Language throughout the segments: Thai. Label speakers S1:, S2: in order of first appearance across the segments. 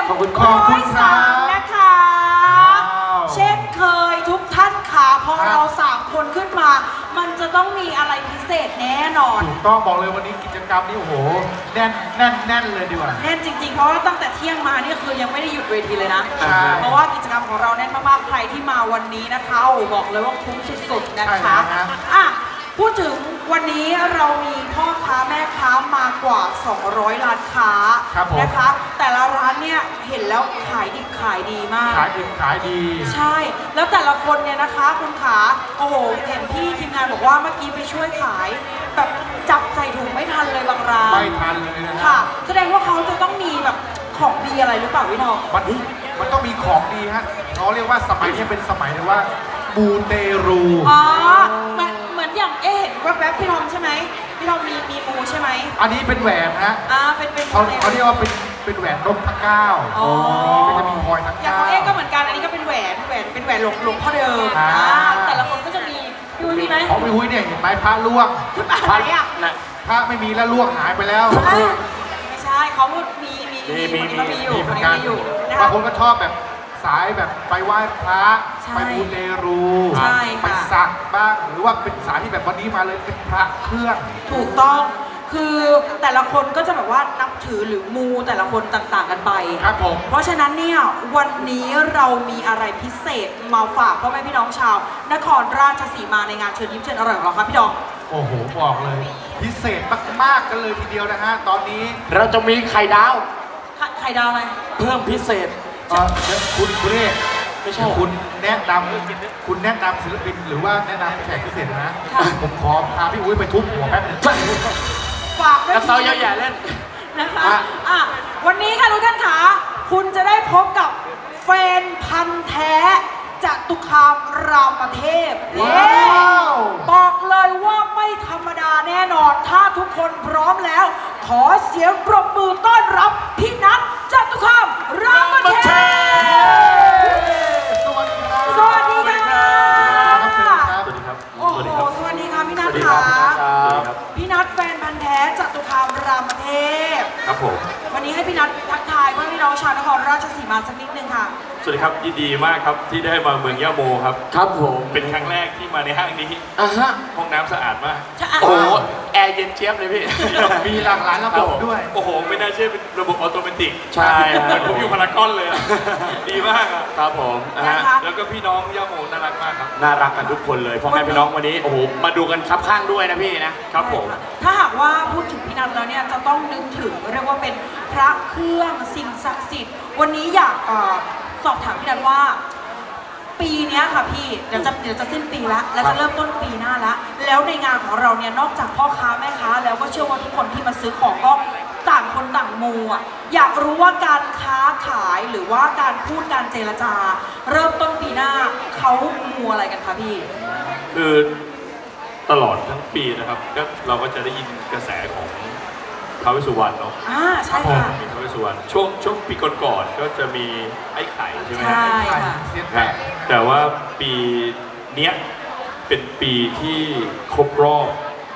S1: ขอบคุณค
S2: ร้
S1: รั
S2: อบ ยสามนะคะเช่นเคยทุกท่านค่ะพอเรา3 คนขึ้นมา มันจะต้องมีอะไรพิเศษแน่นอน
S1: ถูกต้องบอกเลยวันนี้กิจกรรมนี้โอ้โหแน่นเลยดีกว่า
S2: แน่นจริงๆ เพราะว่าตั้งแต่เที่ยงมานี่คือยังไม่ได้หยุดเวทีเลยนะ
S1: ใช่
S2: เพราะว่ากิจกรรมของเราแน่นมากๆ ใครที่มาวันนี้นะคะโอ้บอกเลยว่าคุ้มสุดๆ นะคะอ่ะพูดถึงวันนี้เรามีพ่อค้าแม่ค้ามากว่า 200 ร้านค้านะคะ แต่ละร้านเนี่ยเห็นแล้วขายดิบขายดีมาก
S1: ขายดีขายดี
S2: ใช่ แล้วแต่ละคนเนี่ยนะคะคุณขาโอ้โหเห็นพี่ทีมงานบอกว่าเมื่อกี้ไปช่วยขายแบบจับใส่ถุงไม่ทันเลยบางร้าน
S1: ไม่ทันเลยนะ
S2: ค่ะ แสดงว่าเขาจะต้องมีแบบของดีอะไรหรือเปล่าพี่ทอง
S1: มันต้องมีของดีฮะเขาเรียกว่าสมัยนี้เป็นสมัยเลยว่ามูเตรู
S2: อ๋อเหมือนอย่างเห็นแวบๆพี่ทอมใช่ไหมพี่ทอมมีมูใช่ไหม
S1: อันนี้เป็นแหวนฮะ
S2: เป็น
S1: เขาเรียกว่าเป็นแหวนนพเก้า
S2: อ๋อ
S1: ก็จะมีพลอยทั้ง
S2: อย่าง
S1: เก้า
S2: ของก็เหมือนกันอันนี้ก็เป็นแหวนเป็นแหวนหลวงพ่อเดิม
S1: อ่า
S2: แต่ละคนก็จะมีพี่อุ้ยมีไหม
S1: ของพี่หุ้ยเนี่ยเห็นไหมพระล่วง
S2: อะไรอ่ะ
S1: พระไม่มีแล้วล่วงหายไปแล้ว
S2: ไม่ใช่เขามีคนนี้อยู่
S1: มี
S2: ค
S1: เหมื
S2: น
S1: อน
S2: นี้
S1: กัน
S2: มีอยู่นะ
S1: บาง
S2: คะ
S1: คนก็ชอบแบบสายแบบไปไหว้พระ
S2: ใช่
S1: ไปมูเตรู
S2: ใช่ค่ะ
S1: ไปสักบ้างหรือว่าเป็นสายที่แบบวันนี้มาเลยเป็นพระเครื่อง
S2: ถูกต้องคือแต่ละคนก็จะแบบว่านับถือหรือมูแต่ละคนต่างๆกันไป
S1: ครับผม
S2: เพราะฉะนั้นเนี่ยวันนี้เรามีอะไรพิเศษมาฝากพ่อแม่พี่น้องชาว นครราชสีมาในงานเชิญยิ้มเชิญอร่อยของเราครับพี่ดอง
S1: โอ้โหบอกเลย พิเศษมากๆกันเลยทีเดียวนะฮะตอนนี้
S3: เราจะมีไข่ดาว
S2: ไข่ดาวอะไร
S3: เพิ่มพิเศษ
S1: คุณเรศ
S3: ไม่ใช่
S1: คุณแนะนำศิลปินหรือว่าแนะนำแขกพิเศษนะ
S2: ค่ะ
S1: ผมขอพาพี่อุ้ยไปทุบหัวแป๊บนึง
S2: ฝากไว้
S3: กระเซาเยอะแยะเล่น
S2: นะคะ
S3: อ่ะ
S2: วันนี้ค่ะทุกท่านขาคุณจะได้พบกับแฟนพันธ์แท้จตุคามรามเทพ
S1: ว้าว
S2: บอกเลยว่าไม่ธรรมดาแน่นอน ถ้าทุกคนพร้อมแล้ว ขอเสียงปรบมือต้อนรับพี่นัทจตุคามรามเทพ
S1: สวัสดีครับ
S2: สวัสดีค่ะ
S1: ครับ
S3: สวัสดีครับ
S2: โอ้โห สวัสดีค่ะพี่นัท
S3: สวัสดี
S2: ค่ะ
S3: ครับ
S2: พี่นัทแฟนพันธ์แท้จตุคามรามเทพ
S3: ครับผม
S2: วันนี้ให้พี่นัททักทายเพื่อนพี่น้องชาวนครราชสีมาสักนิดนึงค่ะ
S4: สวัสดีครับยินดีมากครับที่ได้มาเมืองย่าโมครับ
S3: ครับผม
S4: เป็นครั้งแรกที่มาในห้างนี้
S3: อ่ะฮะ
S4: ห้องน้ำสะอาดมาก
S3: โอ้โหแอร์เย็นเจี๊ยบเลยพี่
S1: มีหลากหลายระบบด้วย
S4: โอ้โห ไม่น่าเชื่อเป็นระบบออโตเมติก
S3: ใช่
S4: เหมือนผมอยู่พารากอนเลยอะดีมากอ่ะ
S3: ครับผมอ่ะฮะ
S2: นะคะ
S4: แล้วก็พี่น้องย่าโมน่ารักมากครับ
S3: น่ารักกันทุกคนเลยพ่อแม่พี่น้องวันนี้โอ้โหมาดูกันครับข้างด้วยนะพี่นะครับผม
S2: ถ้าหากว่าพูดถึงพี่นัทแล้วเนี่ยจะต้องนึกถึงเรียกว่าเป็นพระเครื่องสิ่งศักดิ์สิทธิ์วันนี้อยากสอบถามพี่นัทว่า ปีเนี้ยค่ะพี่เดี๋ยวจะสิ้นปีแล้วแล้วจะเริ่มต้นปีหน้าแล้วแล้วในงานของเราเนี่ยนอกจากพ่อค้าแม่ค้าแล้วก็เชื่อว่าทุกคนที่มาซื้อของก็ต่างคนต่างมูอ่ะอยากรู้ว่าการค้าขายหรือว่าการพูดการเจรจา เริ่มต้นปีหน้าเขามูอะไรกันคะพี่
S4: คือตลอดทั้งปีนะครับก็เราก็จะได้ยินกระแสของท้าวเวสสุวรรณเนาะ
S2: ใช่ค่ะ
S4: มีท้าวเวสสุวรรณช่วงปีก่อนๆก็จะมีไอ้ไข่ใช่ไหมฮะ
S2: ใช่ค่ะ
S1: เสียง
S4: ค
S1: แต
S4: รับ
S1: ก
S4: แต่ว่าปีเนี้ยเป็นปีที่ครบรอบ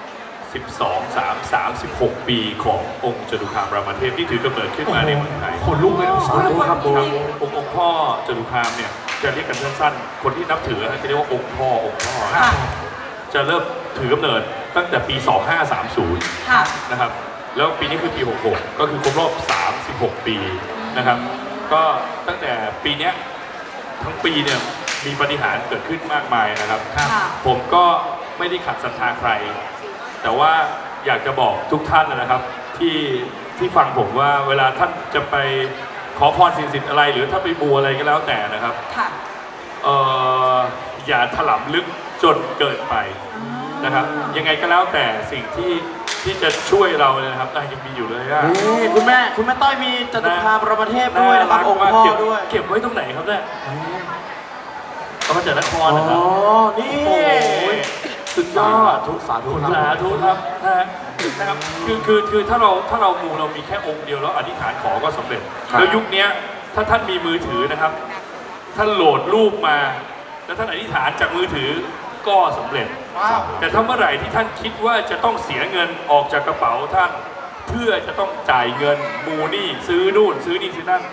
S4: 36 ปีขององค์จตุคามรามเทพที่ถือกำเนิดขึ้นมาในเมืองไทย
S1: ขนลุกเลยนะ
S3: สาธุครับผม
S4: องค์พ่อจตุคามเนี่ยจะเรียกกันสั้นๆ คนที่นับถือจะเรียกว่าองค์พ่อ
S2: ค่ะ
S4: จะเริ่มถือกำเนิดตั้งแต่ปี 2530
S2: ค่ะ
S4: นะครับ แล้วปีนี้คือปี 66 ก็คือครบรอบ 36 ปีนะครับ ก็ตั้งแต่ปีเนี้ยทั้งปีเนี่ยมีปาฏิหาริย์เกิดขึ้นมากมายนะครับ
S2: ค่ะ
S4: ผมก็ไม่ได้ขัดศรัทธาใคร แต่ว่าอยากจะบอกทุกท่านนะครับที่ฟังผมว่าเวลาท่านจะไปขอพรสิ่งศักดิ์สิทธิ์อะไรหรือถ้าไปบูอะไรก็แล้วแต่นะครับ
S2: ค่ะ
S4: อย่าถลำลึกจนเกินไปนะครับ ยังไงก็แล้วแต่สิ่งที่จะช่วยเราเนี่ยนะครับยังมีอยู่เลยอะ
S3: นี่คุณแม่ต้อยมีจตุคามรามเทพด้วยนะครับองค์พ่อด้วย
S4: เก็บไว้ตรงไหนครับเนี่ยเอามาจากนคร
S3: อ๋
S4: นะครับ
S3: อนี่
S4: โอ้โหสุดยอด
S3: ทุกสาธุ
S4: สาธุครับนะครับคือถ้าเรามูเรามีแค่องค์เดียวแล้วอธิษฐานขอก็สำเร็จแล้วยุคนี้ถ้าท่านมีมือถือนะครับท่านโหลดรูปมาแล้วท่านอธิษฐานจากมือถือก็สำเร็จ
S1: ว้าว
S4: แต่ถ้าเมื่อไหร่ที่ท่านคิดว่าจะต้องเสียเงินออกจากกระเป๋าท่าน เพื่อจะต้องจ่ายเงินมูนี่ซื้อนู่นซื้อนี่ซื้อนั่น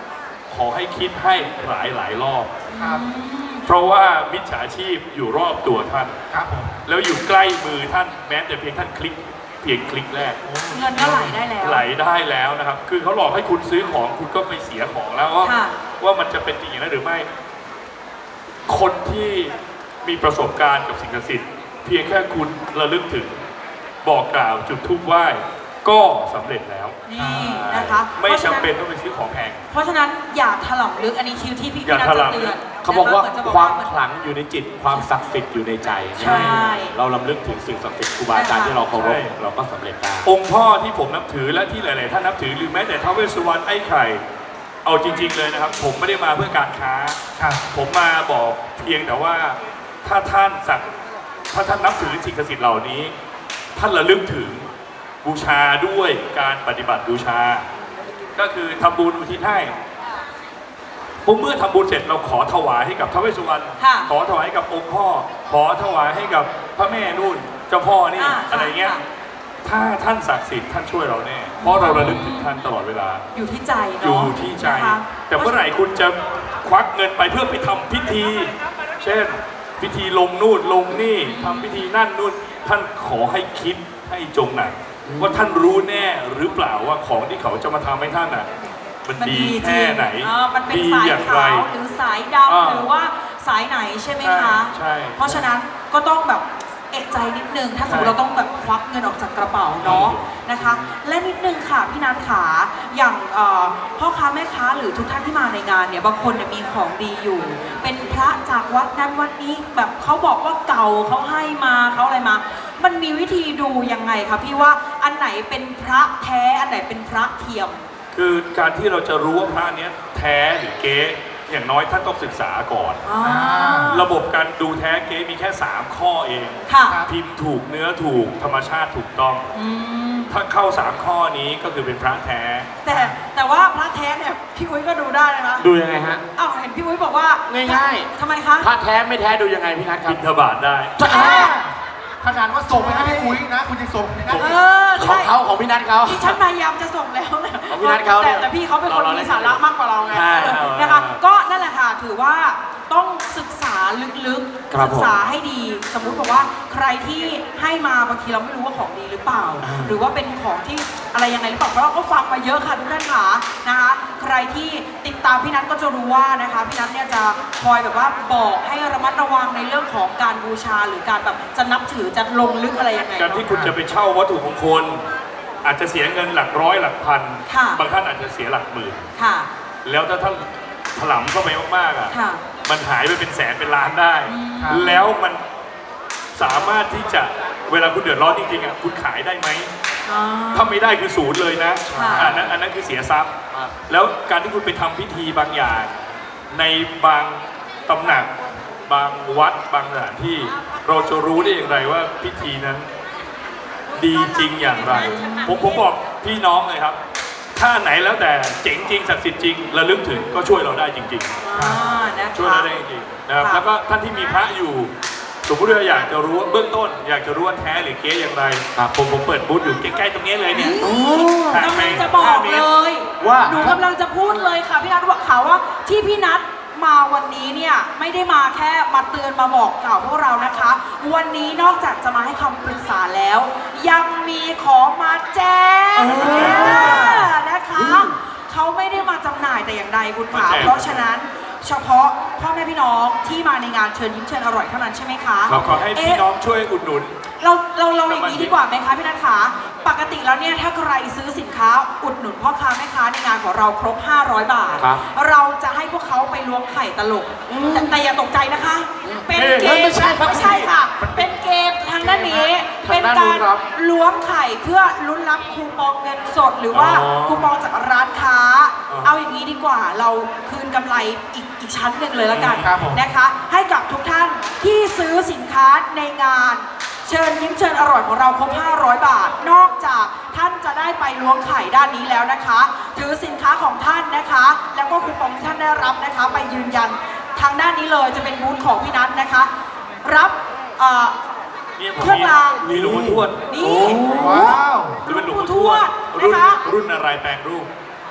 S4: ขอให้คิดให้หลายรอบ
S1: ครับ
S4: เพราะว่ามิจฉาชีพอยู่รอบตัวท่าน
S1: ครับผม
S4: แล้วอยู่ใกล้มือท่านแม้แต่เพียงท่านคลิกเพียงคลิกแรก
S2: เงินก็ไหลได้แล้ว
S4: ไหลได้แล้วนะครับ คือเขาหลอกให้คุณซื้อของคุณก็ไปเสียของแล้วว่า
S2: ค่ะ
S4: ว่ามันจะเป็นจริงอย่างนั้นหรือไม่ คนที่มีประสบการณ์กับสิ่งศักดิ์สิทธิ์เพียงแค่คุณระลึกถึงบอกกล่าวจุดธูปไหว้ก็สำเร็จแล้ว
S2: นี่นะคะ
S4: ไม่จำเป็นต้องไปซื้อของแพง
S2: เพราะฉะนั้นอย่าถลำลึกอันนี้คิวที่พี่
S4: อย่า
S2: นัท
S4: ถ
S2: จะ
S4: ลำลึก
S2: เตือน
S3: เขาบอกว่า
S2: นะคะหมืนจะ
S3: ความ
S2: เหมือน
S3: ขลังอยู่ในจิต ความศักดิ์สิทธิ์อยู่ในใจ
S2: ใช่
S3: เราลำลึกถึงสิ่งศักดิ์สิทธิ์ครูบาอาจารย์ที่เราเคารพเราก็สำเร็จได้
S4: องค์พ่อที่ผมนับถือและที่หลาย ๆ ท่านนับถือหรือแม้แต่ท้าวเวสสุวรรณไอ้ไข่เอาจริง ๆ เลยนะครับ ผมไม่ได้มาเพื่อการค้า
S1: ครับ
S4: ผมมาบอกเพียงแต่ว่าถ้าท่านนับถือสิ่งศักดิ์สิทธิ์เหล่านี้ ท่านระลึกถึงบูชาด้วยการปฏิบัติบูชา ก็คือทำบุญอุทิศให้ผมเมื่อทำบุญเสร็จเราขอถวายให้กับท้าวเวสสุวรรณ
S2: ค่ะ
S4: ขอถวายให้กับองค์พ่อ ขอถวายให้กับพระแม่นู่นเจ้าพ่อนี่
S2: อ่า
S4: อะไรเงี้ย
S2: ค่ะ
S4: ถ้าท่านศักดิ์สิทธิ์ท่านช่วยเราแน่ เพราะเราระลึกถึงท่านตลอดเวลา
S2: อยู่ที่ใจ
S4: อ
S2: เนาะ
S4: ยู่ที่ใจ
S2: นะคะ
S4: แต่เมื่อไหร่คุณจะควักเงินไปเพื่อไปทำพิธี เช่น พิธีลงนู่นลงนี่ทำพิธีนั่นนู่นท่านขอให้คิดให้จงหนักว่าท่านรู้แน่หรือเปล่าว่าของที่เขาจะมาทำให้ท่านอ่ะมันดีแค่ไหน
S2: มันเป็น
S4: ดี
S2: สาย
S4: อย่างไร
S2: ขาวหรือสายดำหรือว่าสายไหนใช่ไหมคะ
S4: ใช่
S2: เพราะฉะนั้นก็ต้องแบบเอกใจนิดนึง ถ้าสมมติ
S4: ใช่
S2: เราต้องแบบควักเงินออกจากกระเป๋าเนาะนะคะ และนิดนึงค่ะพี่นัทขาอย่างพ่อค้าแม่ค้าหรือทุกท่านที่มาในงานเนี่ยบางคนเนี่ยมีของดีอยู่ เป็นพระจากวัดนั้นวัดนี้แบบเขาบอกว่าเก่าเขาให้มาเขาอะไรมา มันมีวิธีดูยังไงคะพี่ว่าอันไหนเป็นพระแท้อันไหนเป็นพระเทียม
S4: คือการที่เราจะรู้ว่าพระเนี้ยแท้หรือเก๊อย่างน้อยท่านต้องศึกษาก่อน
S2: อ๋อ
S4: ระบบการดูแท้เก๊มีแค่ 3 ข้อเอง
S2: ค่ะ
S4: พิมพ์ถูกเนื้อถูกธรรมชาติถูกต้อง
S2: อืม
S4: ถ้าเข้า 3 ข้อนี้ก็คือเป็นพระแท้
S2: แต่ว่าพระแท้เนี่ยพี่อุ้ยก็ดูได้นะคะ
S3: ดูยังไงฮะ
S2: อ้าวเห็นพี่อุ้ยบอกว่า
S3: ง่ายๆ
S2: ทำไมคะ
S3: พระแท้ไม่แท้ดูยังไงพี่นัทครับ
S4: บิณฑบาตได้
S1: ขนาดว่าส่งไปให้พี่อุ้ยนะ คุณยังส่งไปนะ
S2: เออ
S3: ของ
S2: ใช่
S3: เขาของพี่นัทเขา
S2: ที่ฉันพยายามจะส่งแล้วนะ
S3: ของพี่นัทเขาเนี่ย
S2: แต่พี่เขาเป็นคน
S3: เรา
S2: มี
S3: เล่น
S2: สาระมากกว่าเราไง
S3: ใช่
S2: นะคะ ก็นั่นแหละค่ะ ถือว่าต้องศึกษาลึก
S3: ครับ
S2: ๆศึกษาให้ดี สมมุติบอกว่าใครที่ให้มาบางทีเราไม่รู้ว่าของดีหรือเปล่า หรือว่าเป็นของที่อะไรยังไงหรือเปล่าเพราะเราก็ฟังมาเยอะค่ะทุกท่านค่ะนะคะ ใครที่ติดตามพี่นัทก็จะรู้ว่านะคะพี่นัทเนี่ยจะคอยแบบว่าบอกให้ระมัดระวังในเรื่องของการบูชาหรือการแบบจะนับถือจะลงลึกอะไรยังไง
S4: การที่คุณจะไปเช่าวัตถุมงคล อาจจะเสียเงินหลักร้อยหลักพัน
S2: ค่ะ
S4: บางท่านอาจจะเสียหลักหมื่น
S2: ค่ะ
S4: แล้วถ้าท่านถลำเข้าไปมากๆอ่ะ
S2: ค่ะ
S4: มันหายไปเป็นแสนเป็นล้านได้
S1: ครับ
S4: แล้วมันสามารถที่จะเวลาคุณเดือดร้อนจริงๆอ่ะคุณขายได้ไหม
S2: อ๋อ
S4: ถ้าไม่ได้คือศูนย์เลยนะ
S2: ค่ะ
S4: อันนั้นคือเสียทรัพย์ แล้วการที่คุณไปทำพิธีบางอย่าง ในบางตำหนัก บางวัดบางสถานที่ เราจะรู้ได้อย่างไรว่าพิธีนั้นดีจริงอย่างไร ผมบอกพี่น้องเลยครับ ถ้าไหนแล้วแต่เจ๋งจริงศักดิ์สิทธิ์จริงระลึกถึงก็ช่วยเราได้จริง
S2: นะคะ
S4: ๆ ช่วยเราได้จริงๆนะครับ
S2: ค่ะ
S4: แล้วก็ท่านที่มีพระอยู่สมมติว่าอยากจะรู้ว่าเบื้องต้น อยากจะรู้ว่าแท้หรือเก๊อย่างไรผมเปิดบูธอยู่ใกล้ๆตรงนี้เลยเนี่ย
S2: กำลังจะบอกเลย
S3: ว่า
S2: หนูกำลังจะพูดเลยค่ะพี่นัทบอกข่าวว่าที่พี่นัทมาวันนี้เนี่ยไม่ได้มาแค่มาเตือนมาบอกกล่าวพวกเรานะคะ วันนี้นอกจากจะมาให้คำปรึกษาแล้ว ยังมีของมาแจ้งนะคะเขาไม่ได้มาจำหน่ายแต่อย่างใดคุณขา
S4: มาแจก
S2: เพราะฉะนั้นเฉพาะพ่อแม่พี่น้องที่มาในงานเชิญยิ้มเชิญอร่อยเท่านั้นใช่ไหมคะ
S4: เราขอให้พี่น้องช่วยอุดหนุน
S2: เราอย่างนี้ดีกว่าไหมคะพี่นัทคะปกติแล้วเนี่ยถ้าใครซื้อสินค้าอุดหนุนพ่อค้าแม่ค้าในงานของเราครบ 500 บาท
S3: ครับ
S2: เราจะให้พวกเขาไปล้วงไข่ตลก แต่อย่าตกใจนะคะ เป็นเกม
S3: ไม่ใช่ครับ
S2: ไม่ใช่ค่ะ เป็นเกมทางด้านนี้
S3: ทา
S2: เป็
S3: ง
S2: น
S3: ด้าน
S2: กา
S3: นู้
S2: ร
S3: นครับ
S2: ล้วงไข่เพื่อลุ้นรับคูปองเงินสด หรือว่า
S3: อ๋อ
S2: คูปองจากร้านค้า
S4: อ๋อ
S2: เอาอย่างนี้ดีกว่าเราคืนกำไรอีกชั้นหนึ่งเลยละกัน
S1: ครับผม
S2: นะคะ ให้กับทุกท่านที่ซื้อสินค้าในงาน เชิญยิ้มเชิญอร่อยของเราครบ 500 บาท นอกจากท่านจะได้ไปล้วงไข่ด้านนี้แล้วนะคะ ถือสินค้าของท่านนะคะ แล้วก็คูปองที่ท่านได้รับนะคะ ไปยืนยันทางด้านนี้เลยจะเป็นบูธของพี่นัทนะคะ รับ
S4: เนี่ยผม
S2: เครื่องราง
S4: มีหลวงพ่อทวด
S2: นี่
S1: ว้าว
S2: หลวงปู่ทวด
S4: รุ่
S2: นะ
S4: น
S2: คะ
S4: รุ่นอะไรแปลงรูป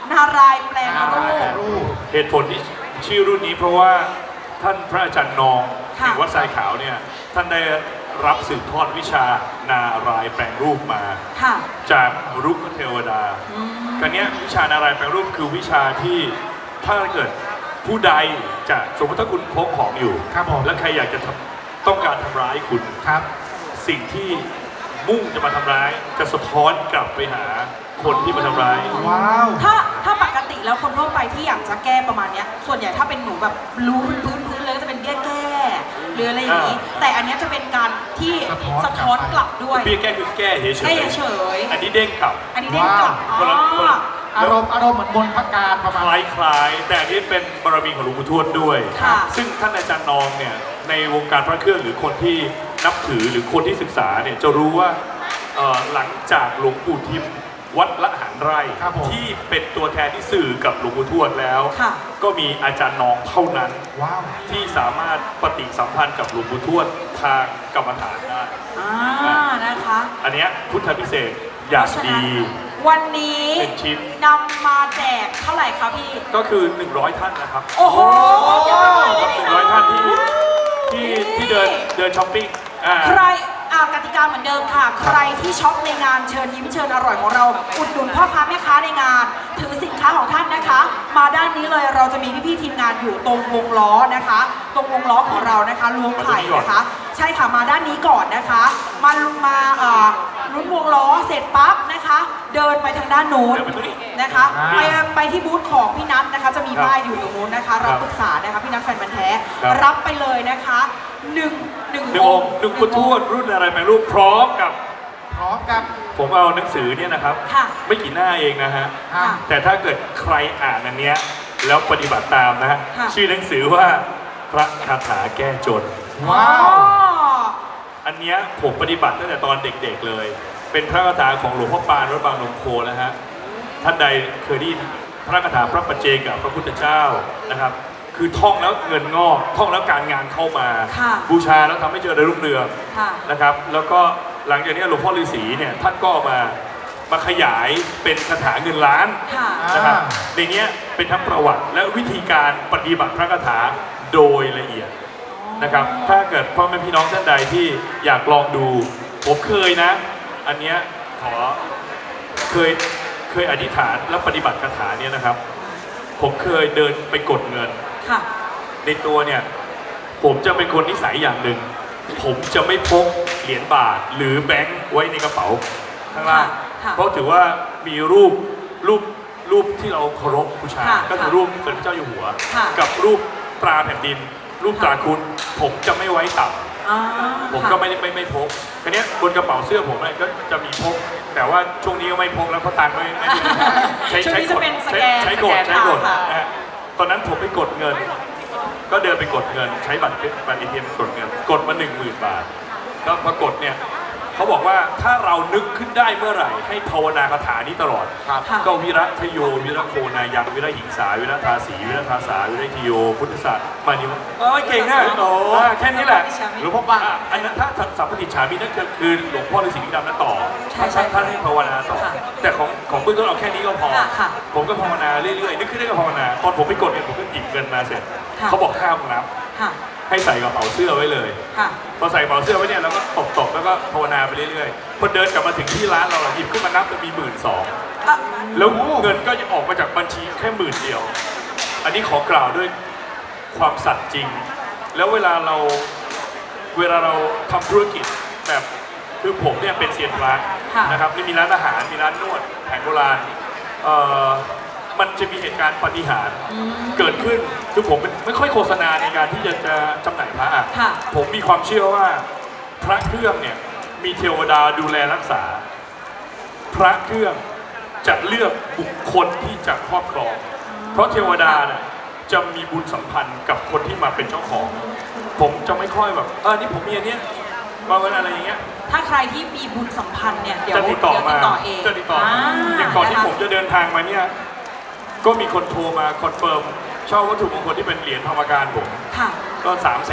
S2: นารายณ์แปลงรูป
S1: รูป
S4: เหตุผลที่ชื่อรุ่นนี้เพราะว่าท่านพระอาจารย์นอง
S2: ค่ะ
S4: แห่งวัดทรายขาวเนี่ยท่านได้รับสืบทอดวิชานารายณ์แปลงรูปมา
S2: ค่ะ
S4: จากรุกขเทวดาการเนี้ยวิชานารายณ์แปลงรูปคือวิชาที่ถ้าเกิดผู้ใดจะสมมติถ้าคุณพกของอยู่
S1: ครับผม
S4: และใครอยากจะต้องการทำร้ายคุณ
S1: ครับ
S4: สิ่งที่มุ่งจะมาทำร้ายจะสะท้อนกลับไปหาคนที่มาทำร้าย
S1: ว้าว
S2: ถ้าปกติแล้วคนทั่วไปที่อยากจะแก้ประมาณเนี้ยส่วนใหญ่ถ้าเป็นหนูแบบรู้พื้นเลยก็จะเป็นแก้หรืออะไรอย่างนี้ แต่อันเนี้ยจะเป็นการที่สะท้อนกลับด้วย
S4: เบี้ยแก้คือแก้เฉย
S2: แก้เฉย
S4: อันนี้เด้งกลับ
S2: อันนี้ได้กลับ
S4: คนละคนละ
S1: อารมณ์เหมือนบนพระการประ
S4: ค
S1: มาณ
S4: ล้ายๆแต่อันนี้เป็นบารมีของหลวงปู่ทวดด้วย
S2: ค่ะ
S4: ซึ่งท่านอาจารย์นองเนี่ยในวงการพระเครื่องหรือคนที่นับถือหรือคนที่ศึกษาเนี่ยจะรู้ว่าหลังจากหลวงปู่ทิมวัดละหันไร่
S1: ครับผม
S4: ที่เป็นตัวแทนที่สื่อกับหลวงปู่ทวดแล้ว
S2: ค่ะ
S4: ก็มีอาจารย์นองเท่านั้น
S1: ว้าว
S4: ที่สามารถปฏิสัมพันธ์กับหลวงปู่ทวดทางกรรมฐานได้
S2: นะคะ
S4: อันเนี้ยพุทธพิเศษอย่างดี
S2: วันนี้
S4: หนึ่งชิ้น
S2: นำมาแจกเท่าไหร่คะพี่
S4: ก็คือ 100 ท่านนะครับ
S2: โอ้โห
S4: 100 ท่านที่เดินช้อปปิ้ง
S2: ใครกติกาเหมือนเดิมค่ะ ใครที่ช็อปในงานเชิญยิ้มเชิญอร่อยของเรา อุดหนุนพ่อค้าแม่ค้าในงาน ถือสินค้าของท่านนะคะ มาด้านนี้เลยเราจะมีพี่ๆทีมงานอยู่ตรงวงล้อนะคะ ตรงวงล้อของเรานะคะล้วงไข่นะคะ ใช่ค่ะมาด้านนี้ก่อนนะคะ มาลุ้นวงล้อเสร็จปั๊บนะคะ เดินไปทางด้านโน้นนะคะไปที่บูธของพี่นัทนะคะ จะมีป้ายอยู่ตรงนู้นนะคะรับปรึกษานะคะพี่นัทแฟนบันธุ์แท้รับไปเลยนะคะหนึ่ง
S4: องค์หนึ่งพุทธทวดรุ่นอะไรแปลรูปพร้อมกับ
S1: พร้อมกับ
S4: ผมเอาหนังสือเนี่ยนะครับ
S2: ค่ะ
S4: ไม่กี่หน้าเองนะฮะ
S1: อ่า
S4: แต่ถ้าเกิดใครอ่านอันเนี้ยแล้วปฏิบัติตามนะฮะ
S2: ค่ะ
S4: ชื่อหนังสือว่าพระคาถาแก้จน
S1: ว้าว
S4: อันเนี้ยผมปฏิบัติตั้งแต่ตอนเด็กๆเลย เป็นพระคาถาของหลวงพ่อปานวัดบางนมโคนะฮะ ท่านใดเคยได้ยินพระคาถาพระปัจเจกพระพุทธเจ้านะครับ คือท่องแล้วเงินงอกท่องแล้วการงานเข้ามา
S2: ค่ะ
S4: บูชาแล้วทำให้เจริญรุ่งเรือง
S2: ค่ะ
S4: นะครับ แล้วก็หลังจากนี้หลวงพ่อฤาษีเนี่ยท่านก็มาขยายเป็นคาถาเงินล้าน
S2: ค่ะ
S4: นะครับ
S1: อ่า
S4: ในเนี้ยเป็นทั้งประวัติและวิธีการปฏิบัติพระคาถาโดยละเอียดนะครับ ถ้าเกิดพ่อแม่พี่น้องท่านใดที่อยากลองดู ผมเคยนะ อันเนี้ยเคยอธิษฐานและปฏิบัติคาถาเนี่ยนะครับ ผมเคยเดินไปกดเงิน
S2: ค่ะ
S4: ในตัวเนี่ยผมจะเป็นคนนิสัยอย่างหนึ่ง ผมจะไม่พกเหรียญบาทหรือแบงค์ไว้ในกระเป๋าข้างล่าง
S2: ค่ะ
S4: เพราะถือว่ามีรูปที่เราเคารพบูชา
S2: ค่ะ
S4: ก็คือรูปสมเด็จพระเจ้าอยู่หัว
S2: ค่ะ
S4: กับรูปตราแผ่นดิน รูปตราคุณผมจะไม่ไว้ต่ำ
S2: อ่า
S4: ผมก็ไม่พกทีนี้ยบนกระเป๋าเสื้อผมเนี่ยก็จะมีพก แต่ว่าช่วงนี้ก็ไม่พกแล้วเพราะตังค์ไม่มีใช้
S2: ช่วง
S4: ใช้
S2: นี้
S4: ก
S2: จะ
S4: ด
S2: เป็นสแกน
S4: ใช้กด
S2: สแกนค่ะ
S4: นะฮะตอนนั้นผมไปกดเงิน ก็เดินไปกดเงิน ใช้บัตรATM กดเงิน กดมา 10,000 บาท ก็ปรากฏเนี่ยเขาบอกว่าถ้าเรานึกขึ้นได้เมื่อไหร่ให้ภาวนาคาถานี้ตลอด
S1: ครับ
S2: ค่ะ
S4: ก็วิรัตโยวิรัตโคนายังวิรัตหิงสาวิรัตทาสีวิรัตทาสาวิรัตโยพุทธศาสตร์มานิวเก่งนะแค่นี้แหละ
S1: หลวงพ่อป้า
S4: อันนั้นถ้าสัมปติฉามินั่นคือหลวงพ่อฤาษีลิงดำนั้นต่อท่านให้ภาวนาต่อ แต่ของเบื้องต้นเอาแค่นี้ก็พอ
S2: ค่ะ
S4: ผมก็ภาวนาเรื่อยๆนึกขึ้นได้ก็ภาวนาตอนผมไปกดเนี่ยผมก็หยิบเงินมาเสร็จ
S2: ค่ะ
S4: เขาบอกห้ามนับ
S2: ค่ะ
S4: ให้ใส่กระเป๋าเสื้อไว้เลย
S2: ค่ะ
S4: พอใส่กระเป๋าเสื้อไว้เนี่ยเราก็ตบแล้วก็ภาวนาไปเรื่อยๆพอเดินกลับมาถึงที่ร้านเราหยิบขึ้นมานับจะมี12,000
S2: อ่ะ
S4: แล้วเงินก็จะออกมาจากบัญชีแค่10,000 เดียว อันนี้ขอกล่าวด้วยความสัตย์จริง แล้วเวลาเราทำธุรกิจแบบคือผมเนี่ยเป็นเซียนพระ
S2: ค่ะ
S4: นะครับนี่มีร้านอาหารมีร้านนวดแผนโบราณมันจะมีเหตุการณ์ปาฏิหาริย์เกิดขึ้นคือผมไม่ค่อยโฆษณาในการที่จะจำหน่ายพระอะ
S2: ค่ะ
S4: ผมมีความเชื่อว่าพระเครื่องเนี่ยมีเทวดาดูแลรักษา พระเครื่องจะเลือกบุคคลที่จะครอบครอง เพราะเทวดาเนี่ยจะมีบุญสัมพันธ์กับคนที่มาเป็นเจ้าของ ผมจะไม่ค่อยแบบนี่ผมมีอันเนี้ยมาวันอะไรอย่างเงี้ย
S2: ถ้าใครที่มีบุญสัมพันธ์เนี่ยเดี๋ยว
S4: จะติดต่อมา
S2: เอง
S4: จะติดต่อมาอย่างก่อนที่ผมจะเดินทางมาเนี่ยก็มีคนโทรมาคอนเฟิร์มเช่าวัตถุมงคลที่เป็นเหรียญธรรมการผม
S2: ค่ะ
S4: ก็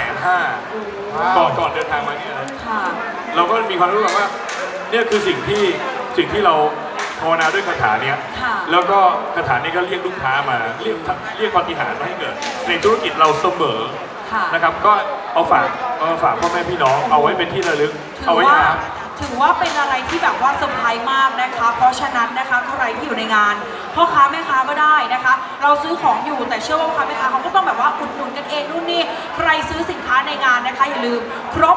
S4: 350,000ก่อนเดินทางมาเนี่ยนะ
S2: ค่ะ
S4: เราก็มีความรู้สึกว่าเนี่ยคือสิ่งที่เราภภาวนาด้วยคาถาเนี้ย
S2: ค่ะ
S4: แล้วก็คาถานี้ก็เรียกลูกค้ามาเรียกปาฏิหาริย์มาให้เกิดในธุรกิจเราเสมอ
S2: ค่ะ
S4: นะครับก็เอาฝากพ่อแม่พี่น้องเอาไว้เป็นที่ระลึก
S2: ถื
S4: เอา
S2: อ
S4: ไว้
S2: ว่า
S4: หา
S2: ถือว่าเป็นอะไรที่แบบว่าเซอร์ไพรส์มากนะคะ เพราะฉะนั้นนะคะใครที่อยู่ในงานพ่อค้าแม่ค้าก็ได้นะคะ เราซื้อของอยู่แต่เชื่อว่าพ่อค้าแม่ค้าเขาก็ต้องแบบว่าอุดหนุนกันเองนู่นนี่ใครซื้อสินค้าในงานนะคะอย่าลืมครบ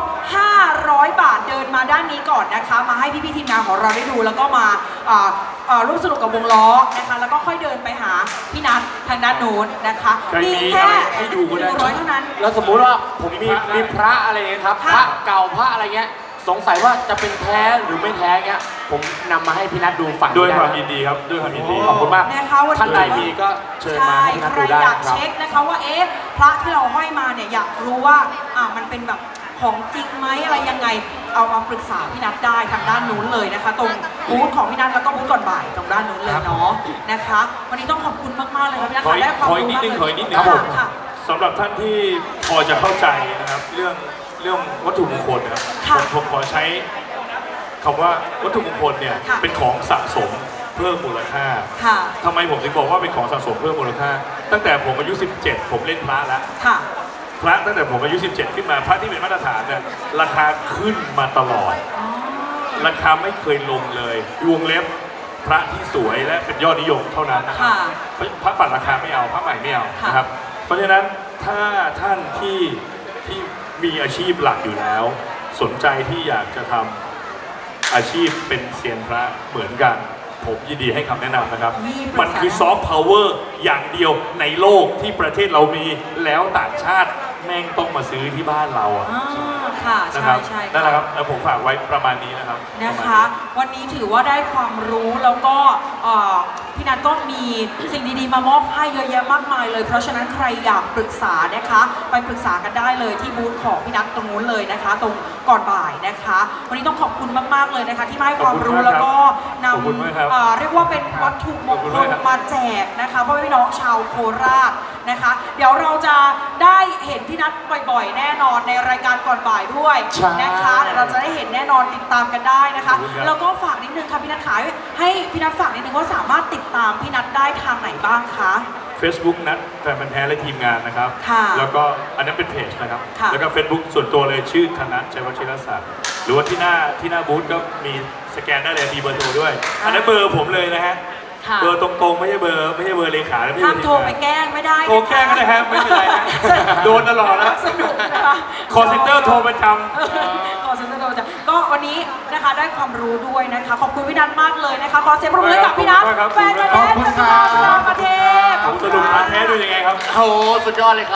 S2: 500 บาทเดินมาด้านนี้ก่อนนะคะ มาให้พี่ๆทีมงานของเราได้ดูแล้วก็มาร่วมสนุกกับวงล้อนะคะ แล้วก็ค่อยเดินไปหาพี่นัททางด้านโน้นนะคะ
S4: ใครมี
S2: แค่
S4: อะไรให้ดูก็ได้
S2: 100เท่านั้น
S3: แล้วสมมุติว่าผมมีพระอะไรเงี้ยครับ
S2: ค่ะ
S3: พระเก่าพระอะไรเงี้ยสงสัยว่าจะเป็นแท้หรือไม่แท้เงี้ยผมนำมาให้พี่นัทดูฝั่ง
S4: ด้วย
S3: นี้
S4: ความ
S3: ได้
S4: ยินดีครับด้วยความยินดี
S3: ขอบคุณมาก
S2: นะคะวันนี้
S3: ท่านใดมีก็เชิญมา
S2: ใช่
S3: ให้พี่นัท
S2: ใคร
S3: ดูได้
S2: อยาก
S3: ครับ
S2: เช็คนะคะว่าเอ๊ะพระที่เราห้อยมาเนี่ยอยากรู้ว่ามันเป็นแบบของจริงไหมอะไรยังไงเอามาปรึกษาพี่นัทได้ทางด้านนู้นเลยนะคะ ตรงบูธของพี่นัทแล้วก็บูธก่อนบ่ายตรงด้านนู้นเลยเนาะนะคะ วันนี้ต้องขอบคุณมากๆเลยครับพี่นัท
S4: ขออีก
S2: ได้ความ
S4: ขออีก
S2: รู้
S4: นิด
S2: มาก
S4: นึง
S2: เลย
S4: ขออีกนิดนึง
S2: ค่ะค่ะ
S4: สำหรับท่านที่พอจะเข้าใจนะครับเรื่องวัตถุมงคลนะครับ
S2: ค่ะ
S4: ผมขอใช้คำว่าวัตถุมงคลเนี่ย
S2: ค่ะ
S4: เป็นของสะสมเพิ่มมูลค่า
S2: ค่ะ
S4: ทำไมผมถึงบอกว่าเป็นของสะสมเพิ่มมูลค่า ตั้งแต่ผมอายุ 17 ผมเล่นพระแล้ว
S2: ค่ะ
S4: พระตั้งแต่ผมอายุ 17 ขึ้นมาพระที่เป็นมาตรฐานเนี่ยราคาขึ้นมาตลอด
S2: อ๋อ
S4: ราคาไม่เคยลงเลยวงเล็บพระที่สวยและเป็นยอดนิยมเท่านั้นนะครับ
S2: ค่ะ
S4: พระปัดราคาไม่เอาพระใหม่ไม่เอา
S2: ค่ะ
S4: นะครับ เพราะฉะนั้นถ้าท่านที่มีอาชีพหลักอยู่แล้ว สนใจที่อยากจะทำอาชีพเป็นเซียนพระเหมือนกัน ผมยินดีให้คำแนะนำนะครับ
S2: มีปรึกษา
S4: มันคือซอฟต์พาวเวอร์อย่างเดียวในโลกที่ประเทศเรามีแล้วต่างชาติแม่งต้องมาซื้อที่บ้านเราอะ
S2: อ๋อค่ะ
S4: นะ
S2: ใช่
S4: ครับ
S2: ใช่
S4: นั่นแหละครับแล้วผมฝากไว้ประมาณนี้นะครับ
S2: นะคะ วันนี้ถือว่าได้ความรู้แล้วก็พี่นัทก็มีสิ่งดีๆมามอบให้เยอะแยะมากมายเลย เพราะฉะนั้นใครอยากปรึกษานะคะ ไปปรึกษากันได้เลยที่บูธของพี่นัทตรงนู้นเลยนะคะ ตรงก่อนบ่ายนะคะ วันนี้ต้องขอบคุณมากๆเลยนะคะ ที่มาให้ความรู้แล้วก็น
S4: ขอบคุณมากครับ
S2: ำเรียกว่าเป็นวัตถุมงคลมาแจกนะคะพ่อแม่พี่น้องชาวโคราชนะคะ เดี๋ยวเราจะได้เห็นพี่นัทบ่อยๆ แน่นอนในรายการก่อนบ่ายด้วย
S3: ใช่
S2: นะคะเดี๋ยวเราจะได้เห็นแน่นอนติดตามกันได้นะคะ
S4: ขอบคุณครับ
S2: แล้วก็ฝากนิดนึงค่ะพี่นัทขายให้พี่นัทฝากนิดนึงว่าสามารถติดตามพี่นัทได้ทางไหนบ้างคะ
S4: Facebook นัดแฟนพันธุ์แท้และทีมงานนะครับ
S2: ค่ะ
S4: แล้วก็อันนั้นเป็นเพจนะครับ
S2: ค่ะ
S4: แล้วก็ Facebook ส่วนตัวเลยชื่อธนัทชัยวชิรศักดิ์หรือว่าที่หน้าบูธก็มีสแกนได้เลยมีเบอร์โทรด้วย อันนั้นเบอร์ผมเลยนะฮะ
S2: ค่ะ
S4: เบอร์ตรงๆไม่ใช่เบอร์เลขาและไม่ใช่
S2: ห้าม
S4: เบอร์
S2: โทรไปแกล้งไม่ได้
S4: โทรแกล้งก็ได้ฮะไม่เป็นไรฮะโดนตลอดนะ
S2: สนุกนะคะ
S4: คอร์เซ็นเตอร์โทรประจ
S2: คอเซ็นเตอร์โทรจ้ะก็วันนี้นะคะได้ความรู้ด้วยนะคะ ขอบคุณพี่นัทมากเลยนะคะขอเสียงปรบมือให้กับพี่นัทแฟนพันธุ์แท้จากทั่วประเทศ
S4: ำสรุปพาร์ทแท้ดูยังไงครับ
S3: โอ้โหสุดยอดเลยครับ